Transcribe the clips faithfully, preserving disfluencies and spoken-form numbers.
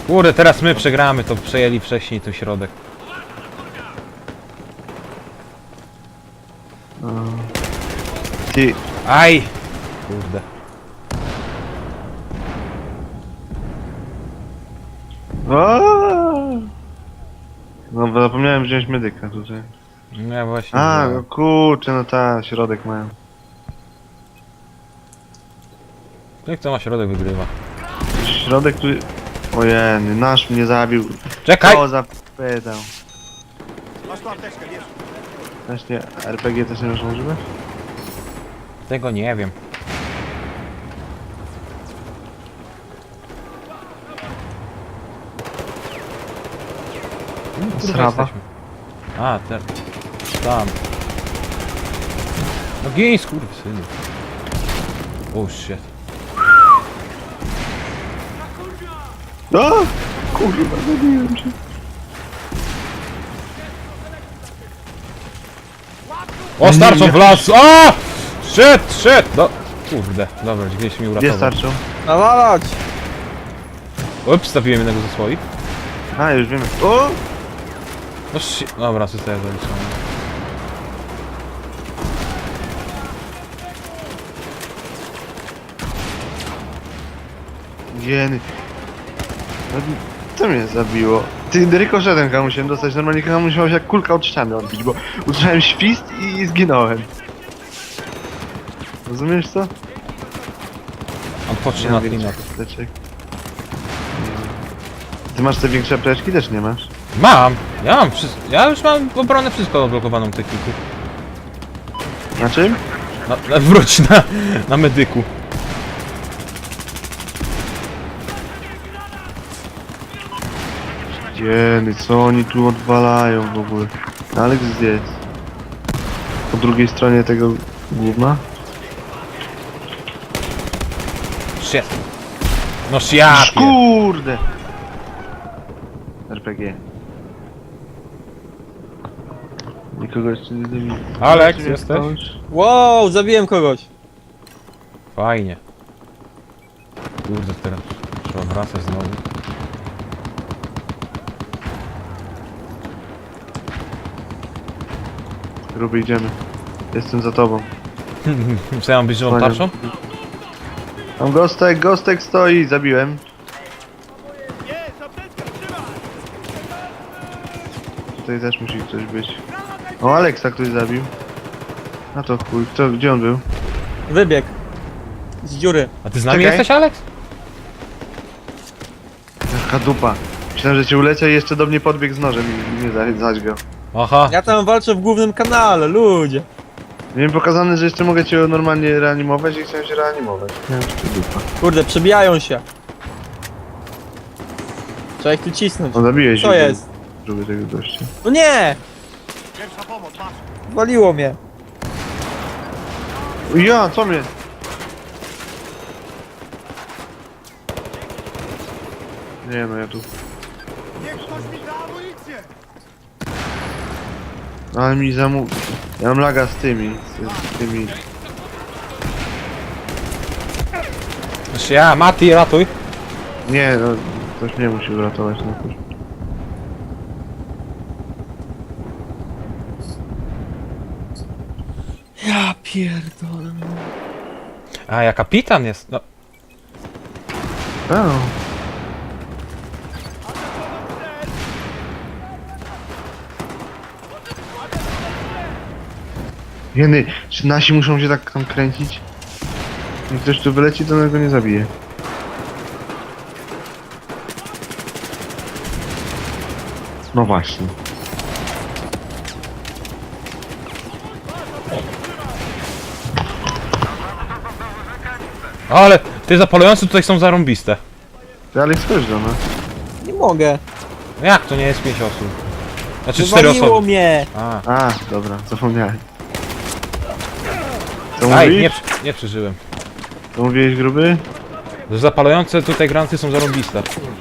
Kurde, teraz my przegramy, to przejęli wcześniej ten środek. Ty... Aj! Kurde. Aaaa! No zapomniałem wziąć medyka tutaj. No ja właśnie... A, wziąłem. no kurczę, no ta, środek mają. Jak to ma środek wygrywa? Środek tu... Ojeny, nasz mnie zabił. Czekaj! O, zapytał. Właśnie, R P G też nie można używać? Tego nie wiem. Kurwa, Srawa. jesteśmy. A, te... Tam. No gin, skurwysynu. Oh shit. O! Kurwa, zabiłem cię. O, starczą Nie, w las! A! Shit, shit! No, kurde, dobra, gdzieś mi Gdzie uratował. starczą? Nawalać! Ups, stawiłem jednego ze swoich. A, już wiemy. O! No shit, dobra, zostaje zaliczony. Jeny. No, co mnie zabiło? Ty, rykoszetem chyba musiałem dostać, normalnie chyba musiałem się jak kulka od ściany odbić, bo usłyszałem świst i zginąłem. Rozumiesz co? On patrzy na mam klimat. większych apteczek. Ty masz te większe apteczki? Też nie masz. Mam! Ja mam wszystko. Ja już mam obronę wszystko odblokowaną w techniku. Na czym? Na, na, wróć na, na medyku. Jeny, co oni tu odwalają w ogóle? Alex gdzie jest? Po drugiej stronie tego gówna? Shit. No ja pier- Kurde! R P G. Nikogo jeszcze nie zabiję. Alex, Jeszcze nie jesteś? stałeś? Wow, zabiłem kogoś. Fajnie. Kurde, teraz trzeba wracać znowu. Gruby, idziemy. Jestem za tobą. Co ja mam być żywą tarczą? Tam Gostek, Gostek stoi, zabiłem. Tutaj też musi ktoś być. O, Aleksa ktoś zabił. A to chuj, kto, gdzie on był? Wybieg. Z dziury. A ty z nami Czekaj. jesteś, Alex? Jaka dupa. Myślałem, że cię uleciał i jeszcze do mnie podbiegł z nożem i mnie za- zaćgał. Aha. Ja tam walczę w głównym kanale, ludzie. Miałem pokazane, że jeszcze mogę cię normalnie reanimować i chciałem się reanimować. Nie wiem, czy to dupa. Kurde, przebijają się. Trzeba ich tu cisnąć. O, zabiłeś Co go, jest? Gruby tego gościa. No nie! Waliło mnie. O, ja, co mnie? Nie no, ja tu... Ale mi zamu... Ja mam laga z tymi, z, z tymi... Znaczy ja, Mati, ratuj. Nie, no, ktoś mnie musi uratować na to. Ja pierdolę. A, ja kapitan jest. No. O. Jeny, czy nasi muszą się tak tam kręcić? Jak ktoś tu wyleci, to go nie zabije. No właśnie. Ale te zapalające tutaj są zarąbiste. Ty Alex, chodź do nas. Nie mogę. No jak to nie jest pięć osób? Znaczy cztery Wywaliło osoby. mnie. A, A, dobra, zapomniałem. Co aj, mówisz? nie, przy- nie przeżyłem. Co mówiłeś, gruby? Że zapalające tutaj granaty są zarąbiste.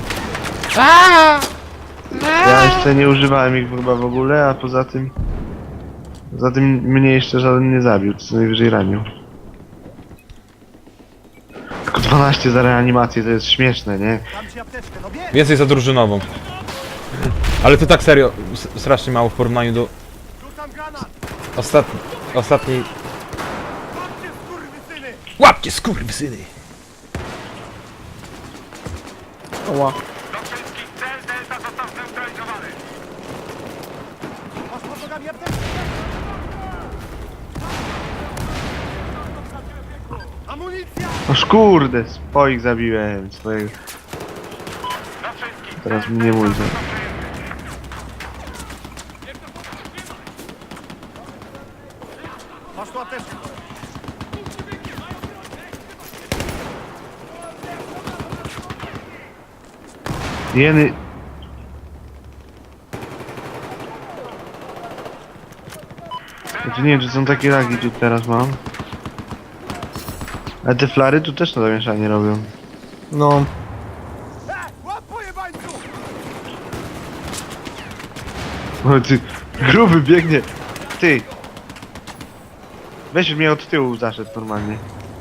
Ja jeszcze nie używałem ich chyba w ogóle, a poza tym... Poza tym mnie jeszcze żaden nie zabił, co najwyżej ranił. Tylko dwanaście za reanimację, to jest śmieszne, nie? Więcej za drużynową. Ale to tak serio, s- strasznie mało w porównaniu do ostatni, ostatniej... Łapcie skurwysyny! Oła. Oż kurde, swoich zabiłem, swojego. Teraz mnie mój za... Jeny... Znaczy nie wiem, czy są takie lagi tu teraz mam. Ale te flary tu też to zamieszanie robią. No. O ty, gruby biegnie. Ty. Weź mnie od tyłu zaszedł normalnie.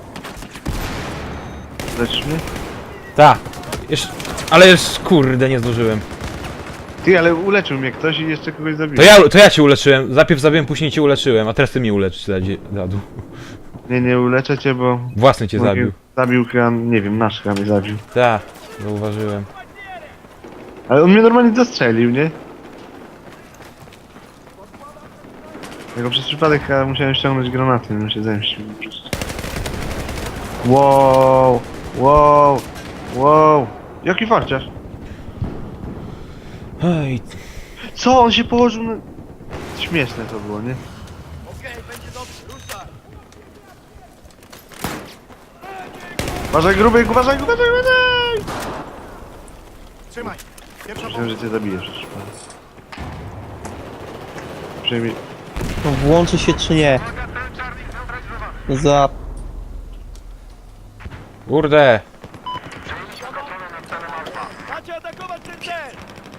Leczysz mnie? Ta! Jeszcze... Ale już kurde nie zdążyłem. Ty, ale uleczył mnie ktoś i jeszcze kogoś zabił. To ja, to ja cię uleczyłem. Najpierw zabiłem, później cię uleczyłem, a teraz ty mnie uleczysz, dziadu. Nie, nie uleczę cię, bo... Własny cię zabił. Zabił chyba, nie wiem, nasz chyba mnie zabił. Ta, zauważyłem. Ale on mnie normalnie zastrzelił, nie? Jako przez przypadek chyba musiałem ściągnąć granaty, bym się zemścił po prostu. Wow, wow, wow. Jaki farciarz? Ej, Co? On się położył na... Śmieszne to było, nie? Uważaj gruby, uważaj, uważaj, uważaj! Trzymaj! Pierwsza Myślałem, że cię zabiję przez przypadek. Przynajmniej... No włączy się czy nie? Za... kurde! Macie atakować ten cel!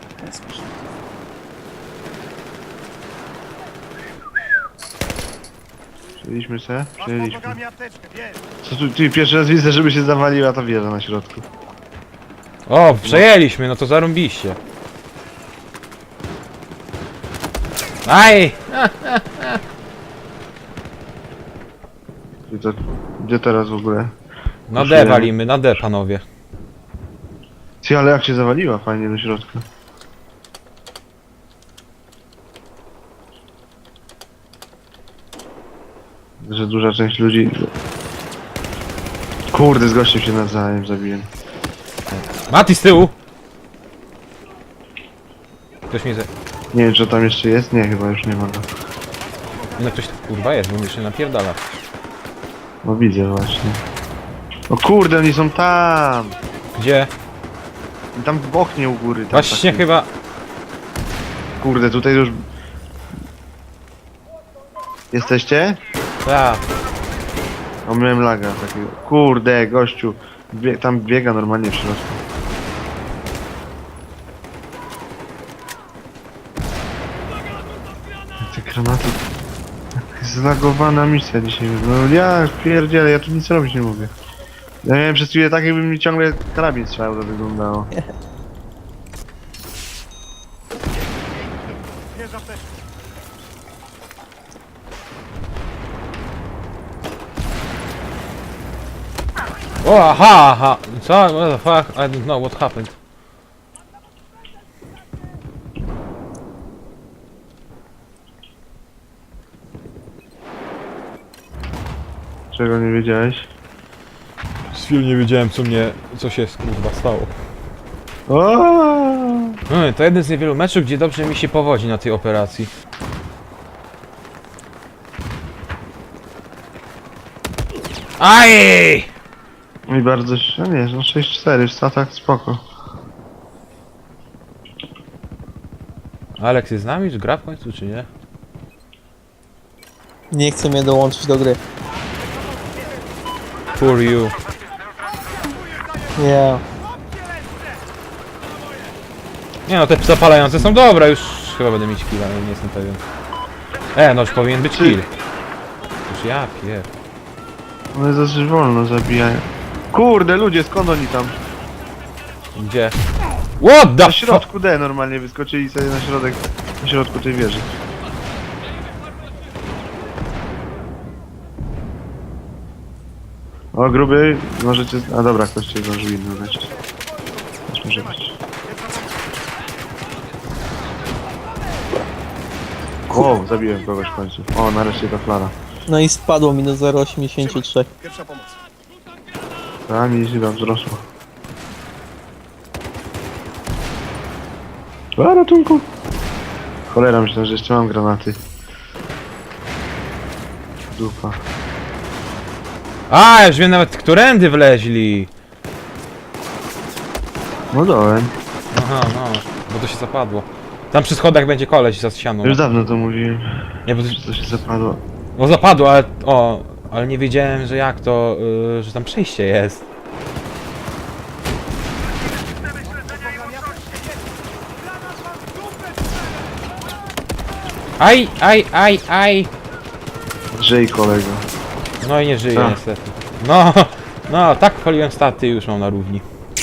Przejęliśmy se? Masz pod Przejęliśmy. nogami apteczkę, wiesz! Co tu, ty pierwszy raz widzę, żeby się zawaliła ta wieża na środku. O, przejęliśmy, no to zarąbiście. Aj! I to, gdzie teraz w ogóle? Na D walimy, na D panowie. Ty, ale jak się zawaliła fajnie do środka. Że duża część ludzi... Kurde, z gościem się nawzajem zabiłem. Mati z tyłu! Ktoś mnie ze... Nie wiem, czy tam jeszcze jest? Nie, chyba już nie ma go. No ktoś kurwa jest, bo mnie jeszcze napierdala. No widzę właśnie. O kurde, oni są tam! Gdzie? Tam w oknie u góry. Tam Właśnie taki- chyba... Kurde, tutaj już... Jesteście? Ta. O, miałem laga takiego. Kurde, gościu. Bie tam biega normalnie w środku. Te granaty... Zlagowana misja dzisiaj. No ja pierdzielę, ja tu nic robić nie mogę. Ja miałem przez chwilę tak, jakby mi ciągle karabin strzał, to wyglądało. Bierz apteczkę! O, aha, aha! Co? What the fuck? I don't know what happened. Czego nie wiedziałeś? Z chwilą nie wiedziałem co mnie... co się kurwa stało. O! No, to jeden z niewielu meczów, gdzie dobrze mi się powodzi na tej operacji. Aj! I bardzo się, nie, no sześć cztery w statach spoko. Alex jest z nami? Już gra w końcu, czy nie? Nie chce mnie dołączyć do gry. Poor you. Nie. Nie no, te zapalające są dobre, już chyba będę mieć kill, ale nie jestem pewien. E, no już powinien być kill. Już ja pier... One dosyć wolno zabijają. Kurde, ludzie, skąd oni tam? Gdzie? What the Na fuck? środku D normalnie wyskoczyli sobie na środek, na środku tej wieży. O, gruby, możecie... A dobra, ktoś cię zdążył inny lecieć. Też może być. O, zabiłem kogoś w końcu. O, nareszcie ta flara. No i spadło mi do zero przecinek osiemdziesiąt trzy. Pierwsza pomoc. A, mi się tam wzrosło. A, ratunku! Cholera, myślę, że jeszcze mam granaty. Dupa. A, już wiem nawet, którędy wleźli. No dołem. Aha, no, bo to się zapadło. Tam przy schodach będzie koleś za ścianą. Już dawno to mówiłem, Nie, bo, że to się zapadło. bo zapadło, ale... O, ale nie wiedziałem, że jak to... Yy, że tam przejście jest. Aj, aj, aj, aj. Żyj, kolego. No i nie żyje Co? niestety. No, no, tak paliłem staty i już mam na równi.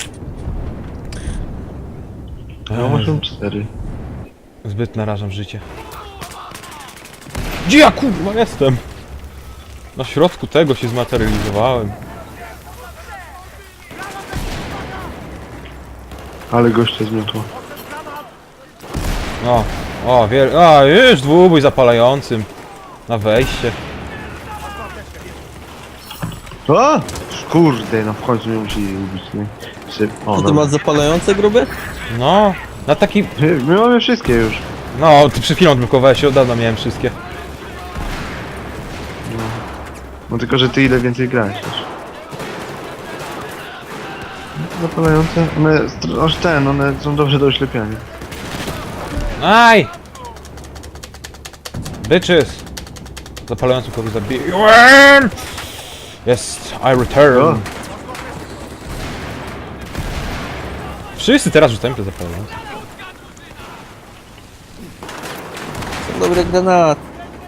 No, muszę cztery. Zbyt narażam życie. Gdzie ja kurwa jestem? Na środku tego się zmaterializowałem. Ale gościa zmiotło. O, o, wiel... A, już dwubój zapalającym. Na wejście. O! Kurde, no w końcu mnie musieli ubić, nie? Czy... O, To ty dobra. masz zapalające gruby? No, na taki... My, my mamy wszystkie już. No, ty przed chwilą odblokowałeś się, od dawna miałem wszystkie. No tylko, że ty ile więcej grałeś też. Zapalające? One, str- aż ten, one są dobrze do oślepiania. Aj! Bitches! Zapalającym kogoś zabiłem! Jest, I return. O. Wszyscy teraz rzucają te zapalające. Są dobre granaty.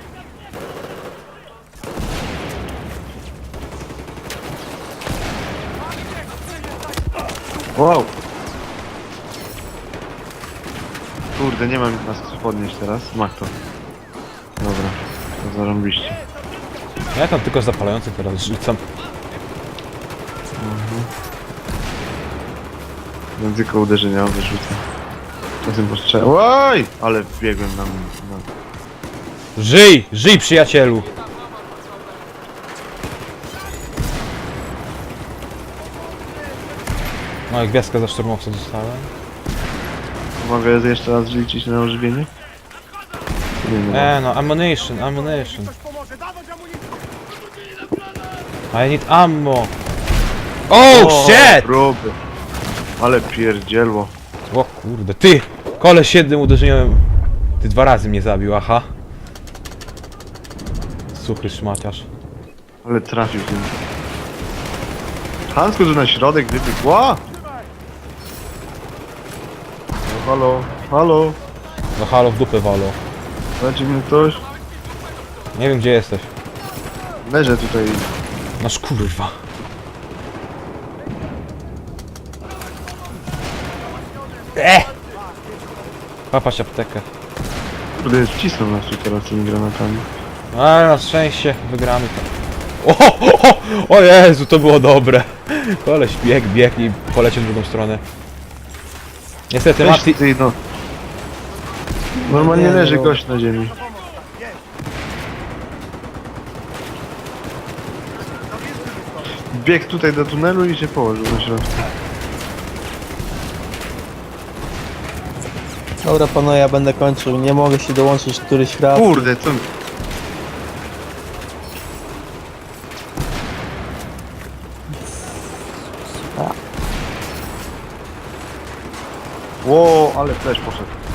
Wow! Kurde, nie mam nas co podnieść teraz. Mach to. Dobra, to zarąbiście. Ja tam tylko zapalającym teraz rzucam. Mam tylko uderzenia wyrzucę. Czasem postrzelam. Oj! Ale wbiegłem na... na... Żyj! Żyj, przyjacielu! No i gwiazdkę za szturmowca dostałem. Mogę jeszcze raz liczyć na ożywienie? Nie, nie. E no, ammunition, ammunition. Ktoś pomoże, dawać amunicję! I need ammo. Oh shit! Próby. Ale pierdzielło. O kurde, ty! Koleś jednym uderzeniem... Ty dwa razy mnie zabił, aha. Suchy szmaciarz. Ale trafił tym. Hansko tu na środek wybiegł. Ła! No, halo, halo. No halo, w dupę walo. Znaczy mnie ktoś? Nie wiem gdzie jesteś. Leżę tutaj. Nasz kurwa. Eh! Papać aptekę. Kurde, wcisną nas tu teraz tymi granatami. Ale na szczęście wygramy to. O, o, o, o Jezu, to było dobre. Koleś bieg, bieg i poleciał w drugą stronę. Niestety Weź Mati... ty, no. Normalnie Nie, leży no. gość na ziemi. Biegł tutaj do tunelu i się położył na środku. Dobra panowie, ja będę kończył. Nie mogę się dołączyć któryś raz. Kurde, co... Ło, ale też poszedł.